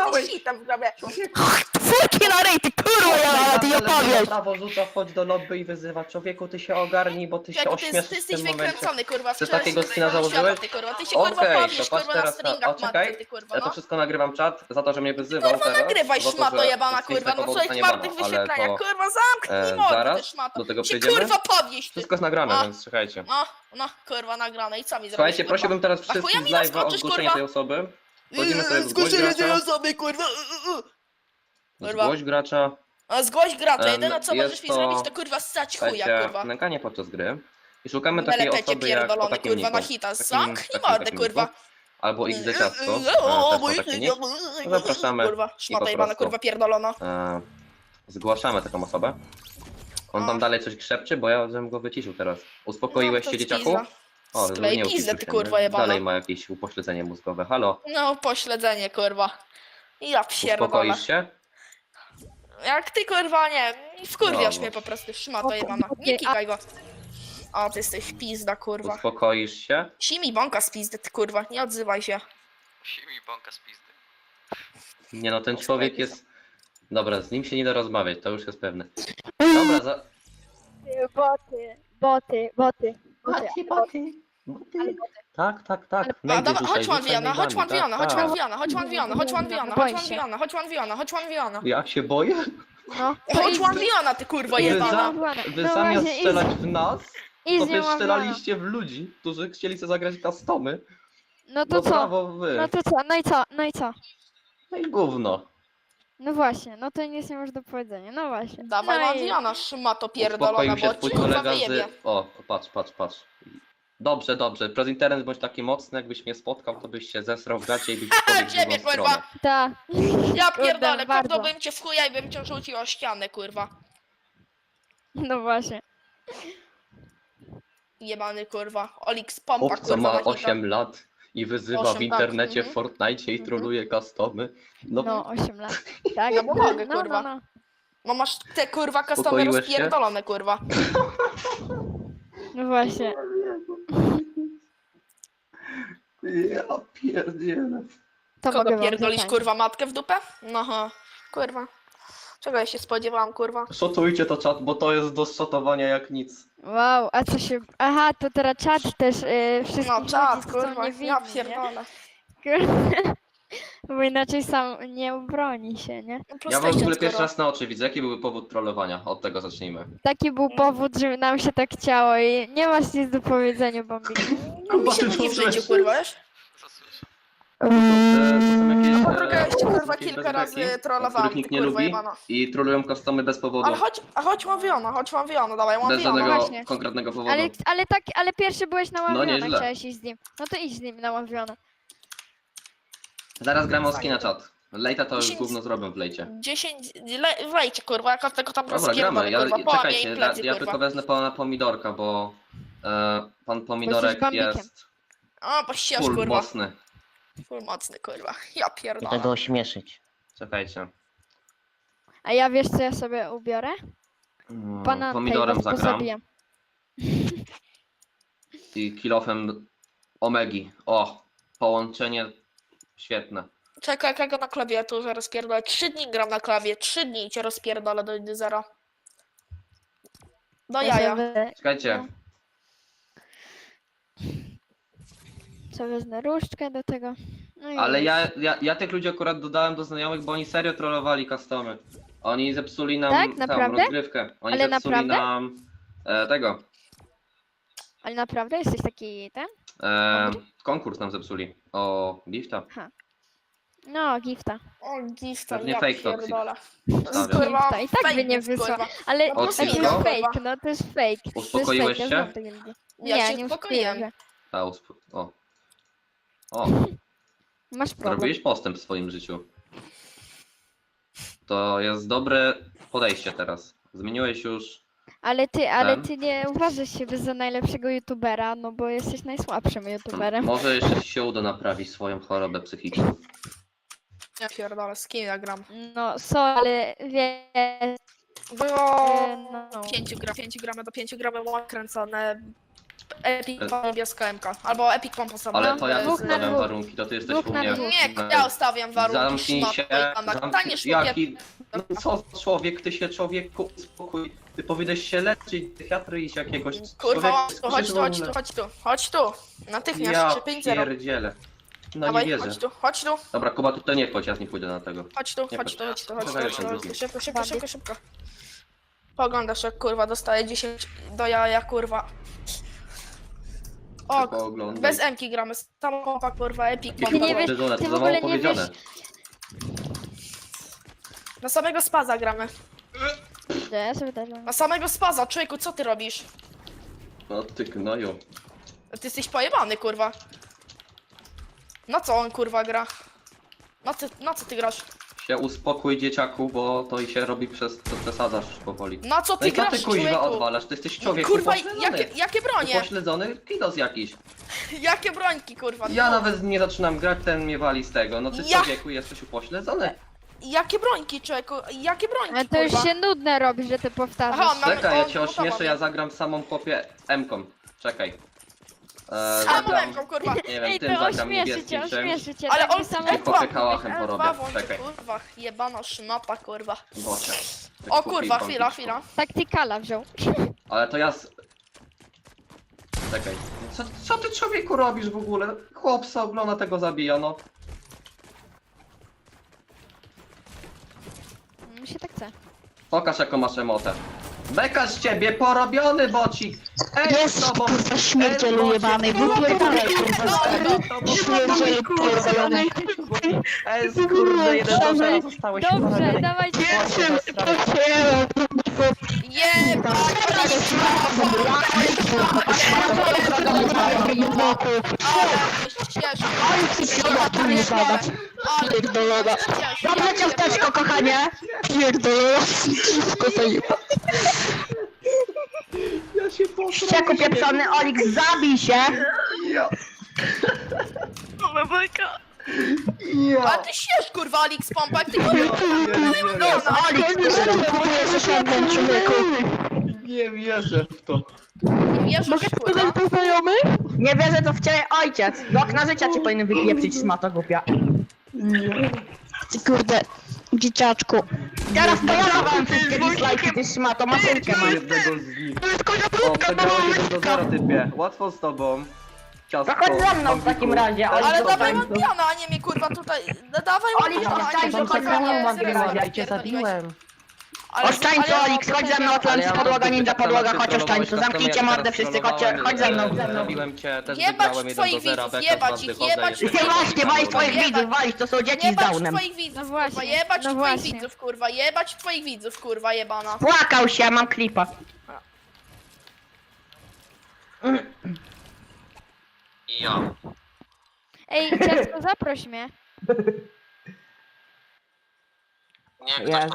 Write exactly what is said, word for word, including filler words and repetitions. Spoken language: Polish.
Dostałeś. hitem w grabie. Furki na rej, ty kurwa, ja ty nie Na opowiesz! prawo rzuca, wchodź do lobby i wyzywa. Człowieku, ty się ogarnij, bo ty się Człowieku, ty, ośmieszysz ty w jesteś tym momencie. wykręcony, kurwa. Ty wczoraj takiego się skina wyjebałeś założyłeś? świata, ty, kurwa. Ty się kurwa Okej, powiesz, to patrz kurwa, na teraz na... stringach O, czekaj. matki, ty, kurwa, Ja to no. wszystko nagrywam czat za to, że mnie wyzywał Kurwa, teraz. nagrywaj za to, szmato że jebana, z Facebooka kurwa, no było swoich dostanie marnych bana, ale wyświetleniach, to, kurwa, zamknij e, mordę, ty zaraz szmato. do tego Się przejdziemy. kurwa powieś, ty. Wszystko jest nagrane, O. więc słuchajcie. No, no, kurwa, nagrane i co mi zrobisz, Słuchajcie, kurwa? prosiłbym teraz A chuja wszystkich mi z live'a o naskoczysz, zgłoszenie kurwa? tej osoby. Wchodzimy sobie w zgłoś Zgłoszenie tej gracza. osoby, kurwa. y, y, y. Kurwa. Zgłoś gracza. A zgłoś gracza, Em, jedyne co jest możesz mi to, zrobić to kurwa ssać chuja, Słuchajcie, kurwa. nękanie podczas gry. I szukamy takiej Melepecie osoby jak o pierdolony, takim kurwa, na niku. hita. Takim- Zamknij takim- mordę, takim kurwa. niku. Albo X D ciastko. O, e, też ma mój taki chuj, nick. o, Zapraszamy Kurwa, i szmata po jebana, prostu. kurwa, pierdolona. E, zgłaszamy taką osobę. On O. tam dalej coś krzepczy, bo ja bym go wyciszył teraz. Uspokoiłeś No, to się, dzieciaku? pizza. O, Sklej nie pizdę, uciszył ty się, kurwa nie? jebana. Dalej ma jakieś upośledzenie mózgowe. Halo? No, pośledzenie, kurwa. Ja pierdolę. Uspokoisz się? Jak ty, kurwa, nie, wkurwiasz No, mnie no. po prostu, szmato jebana. Nie kikaj go. O, ty jesteś pizda, kurwa. Uspokoisz się? Simi bąka z pizdy, ty kurwa, nie odzywaj się. Musi mi bąka z pizdy. Nie no, ten człowiek jest... Dobra, z nim się nie da rozmawiać, to już jest pewne. Dobra, za... Boty, boty, boty, boty. boty, boty. Tak, tak, tak. A, Najdzie dobra, dzisiaj, chodź rzucaj Manwiana, chodź mailami, Manwiana, tak, chodź tak. Manwiana, chodź Manwiana, chodź Manwiana, Boi chodź się. Manwiana, chodź Manwiana, chodź Manwiana. Ja się boję? No, Chodź Manwiana, ty kurwa Wy, jebana. za, Manwiana. wy No zamiast właśnie, strzelać i- w nas, I to z wy nią mam strzelaliście w ludzi, którzy chcieli sobie zagrać customy. No to No co? brawo wy. No to co? No i co? No i co? No i gówno. No właśnie, no to nic nie masz do powiedzenia, no właśnie. Dawaj no i... Manwiana, szmato pierdolona, Uspokoił się bo twój ci kurwa kolega wyjebie. z... O, patrz, patrz, patrz. Dobrze, dobrze. Przez internet bądź taki mocny, jakbyś mnie spotkał, to byś się zesrał w gacie i byś pobiegł w Ciebie, drugą kurwa. stronę. Ta. Ja Kurde, pierdolę, bardzo. kopnąłbym cię w chuja i bym cię rzucił o ścianę, kurwa. No właśnie. Jebany, kurwa. Olix pompa, Chłopca kurwa, ma na hita. osiem lat i wyzywa osiem, w tak, internecie w mhm. Fortnite i Mhm. troluje customy. No, No, osiem lat. Tak, Ja mu mogę, no, kurwa. No, no. No masz te, kurwa, customy Uspokoiłeś się? rozpierdolone, kurwa. no właśnie. ja pierdzielę. To Kogo mogę wam pierdolisz, zatańczyć. kurwa, matkę w dupę? No, ha. Kurwa. Czego ja się spodziewałam, kurwa? Szotujcie to czat, bo to jest do szotowania jak nic. Wow, a co się... Aha, to teraz czat też yy, wszystkich No, czad, ludzi, co są kurwa, niewinni, ja nie? pierdolę. Kurde. Bo inaczej sam nie obroni się, nie? No, Ja wam w ogóle PlayStation, pierwszy kurwa. raz na oczy widzę. Jaki byłby powód trollowania? Od tego zacznijmy. Taki był powód, że nam się tak chciało i nie masz nic do powiedzenia, Bombik. No, mi się nudzi w życiu, kurwa, wiesz? Co słyszę? To, e, to są jakieś, No, e, druga jeszcze, kurwa, jakieś kilka razy bezbeki, trollowałam, których nikt ty, nie kurwa, lubi jebana. i trollują customy bez powodu. Ale chodź, a chodź Mawiona, chodź Mawiona, dawaj Bez Mawiona. żadnego właśnie. konkretnego powodu. Ale, ale tak, ale pierwszy byłeś na No, ławiona, nieźle. chciałeś iść z nim. No to idź z nim na ławiona. Zaraz gramy o skina czat. Lejta to już dziesięć- gówno zrobią w lejcie. dziesięć, le, wejcie, kurwa, jak tego tam Dobra, rozpierdolę, gramy. Ja, kurwa, połamie czekajcie, jej ja, plecy, ja kurwa. tylko wezmę pana pomidorka, bo e, pan pomidorek bambikiem. jest O, poścież, full kurwa. mocny. Full mocny, kurwa. Ja I pierdolę. tego ośmieszyć. Czekajcie. A ja wiesz co ja sobie ubiorę? Mm, Banankę Pomidorem i was zagram pozabiję. i kilofem omegi. O, połączenie świetne. Czekaj, jak ja go na klawiaturze rozpierdolę. Trzy dni gram na klawie, trzy dni i cię rozpierdolę do zera. Do Ja jaja. sobie, Czekajcie. sobie wezmę różdżkę do tego. No i Ale już. ja, ja, ja tych ludzi akurat dodałem do znajomych, bo oni serio trollowali customy. Oni zepsuli nam Tak? tą Naprawdę? rozgrywkę. Oni Ale zepsuli naprawdę? nam e, tego. Ale naprawdę jesteś taki ten? E, konkurs nam zepsuli. O gifta. No, gifta. O, gifta, Pewnie ja fake toxic. pierdolę. Stawiam. Kurwa, Gifta. I tak fake by nie jest, wysłał. kurwa. Ale O, to jest Cinco? fake, no to jest fake. To jest Uspokoiłeś fake, się? Ja znam takie ludzi. Ja nie, się nie uspokoiłem. uspokoiłem. A, usp- o. O, Masz problem. zrobiłeś postęp w swoim życiu. To jest dobre podejście teraz. Zmieniłeś już. Ale ty, ale Ten? ty nie uważasz siebie za najlepszego youtubera, no bo jesteś najsłabszym youtuberem. Może jeszcze ci się uda naprawić swoją chorobę psychiczną. Ja pierdolę, z kim ja gram? No, sorry, ale wiesz, Bo e, no, pięciu gram, pięciu gramy do pięciu gramy mam kręcone Epic Pompa niebieska M K. Albo Epic Pompa sama. Ale to ja Dwóch na ustawiam dwóch. warunki, to ty jesteś Dwóch u na mnie. dwóch. Nie, ja ustawiam warunki. Zamknij szmato, się, Jana. zamknij, Staniesz jaki, no co człowiek, ty się człowieku, spokój, ty powinieneś się leczyć, psychiatry iść jakiegoś. Kurwa, Człowiek chodź tu, chodź tu, przyszły- chodź tu, chodź tu. Natychmiast, Ja trzy pięć zero. pierdzielę. No Dawaj, nie wierzę. chodź tu, chodź tu, Dobra, Kuba, tutaj nie wchodź, ja nie pójdę na tego. chodź tu, Nie chodź tu, chodź. chodź tu, chodź tu, Dawaj, chodź tu, ten chodź tu, drugi. szybko, szybko, szybko, szybko. Poglądasz jak kurwa dostaje dziesięć do jaja kurwa. O, Tylko oglądaj. bez Emki gramy, sama pompa kurwa, Epic Jakie Ty nie Pompa. wiesz- powiedzone, ty to w za ogóle mało nie wiesz- powiedziane. Na samego spaza gramy. To ja sobie też mam. Na samego spaza, człowieku, co ty robisz? No ty gnoju. Ty jesteś pojebany kurwa. Na co on kurwa gra? Na co, na co ty grasz? Się uspokój dzieciaku, bo to i się robi przez, to przesadzasz powoli. Na co No ty i co grasz, ty kuźwa człowieku? odwalasz? Ty jesteś człowiek Kurwa, upośledzony. jakie, jakie bronie? Upośledzony kidos jakiś. Jakie brońki kurwa? Ja No. nawet nie zaczynam grać, ten mnie wali z tego. No ty Ja- człowieku jesteś upośledzony. Jakie brońki, człowieku? Jakie brońki, Ale to już kurwa? się nudne robi, że ty powtarzasz. Aha, mamy- Czekaj, ja on cię gotowa, ośmieszę, ja wiem. zagram samą kopię M-ką. Czekaj. E, Samą zagram, ręką, kurwa. nie wiem, Ej, tym to zagram ośmieszy niebieskim cię, czymś. ośmieszy cię. Ale tak on by samo- I popie kałachem L porobię, dwa włączy, czekaj. kurwa, jebana szmata, kurwa. Bocie. Ty O kupi kurwa, bąkiczku. chwila, chwila. Taktykala wziął. Ale to ja... z- Czekaj. Co, co ty człowieku robisz w ogóle? Chłop se ogląda, tego zabija, no. Mi się tak chce. Pokaż jaką masz emotę. Beka z ciebie, porobiony bocik! Ej, z tobą! kurwa, śmierdzielu Ej, jebany, bocie, wypierdalaj, bocie, kurwa, bocie, stary. bocie, Śmierdzielu pierdolony. Ej, kurde, jeden do zera zostałeś Dobrze, porobiony. dawajcie. Jestem potwierdzam. Jebana Pierdolona. Dobra ciasteczko, kochanie. Pierdolona. Wszystko zajeba. Ja się poszłam. Ścieku pieprzony, Olix, zabij się. Ja. A ty siesz kurwa, Alix Pompa, jak ty kurwa. Olix, próbujesz osiągnąć, człowieku. Nie wierzę w to. Nie wierzysz kurwa. Nie wierzę, to w ciebie ojciec. Do okna życia cię powinien wypieprzyć, szmato głupia. Ty kurde, dzieciaczku. Teraz to ja dawałem wszystkie dislike'i, ty szmato, maszynkę masz. Jednego z nich. O, przegrałeś jeden do zera, typie. Łatwo z tobą. Ciastko. To chodź za mną w takim razie, Olix. Ale zostań dawaj tu. Lampiana, a nie mnie kurwa tutaj. Dawaj Olix, Lampiana, a zostań, nie mnie zostań, kurwa, nie zostań, zrywaj, zostań, jak pierdoliłeś. Ale- Ostań tu, ale- Olix, chodź ze mną, Atlantis, podłoga, ninja, podłoga, chodź ostań tu, zamknijcie mordę wszyscy, chodźcie, chodź ze mną. Zabiłem cię, też Jebać wygrałem jeden do twoich zera, widzów, beka z jebać was ich, wychodzę, jebać jeszcze ich. Nie nie właśnie, walić twoich Jebać. widzów, walić, to są dzieci z Jebać downem. twoich widzów, No kurwa, właśnie, jebać no twoich właśnie. widzów, kurwa, jebać twoich widzów, kurwa, jebana. Płakał się, mam klipa. Ja. Ej, ciastko, zaproś mnie. Nie, ktoś Ja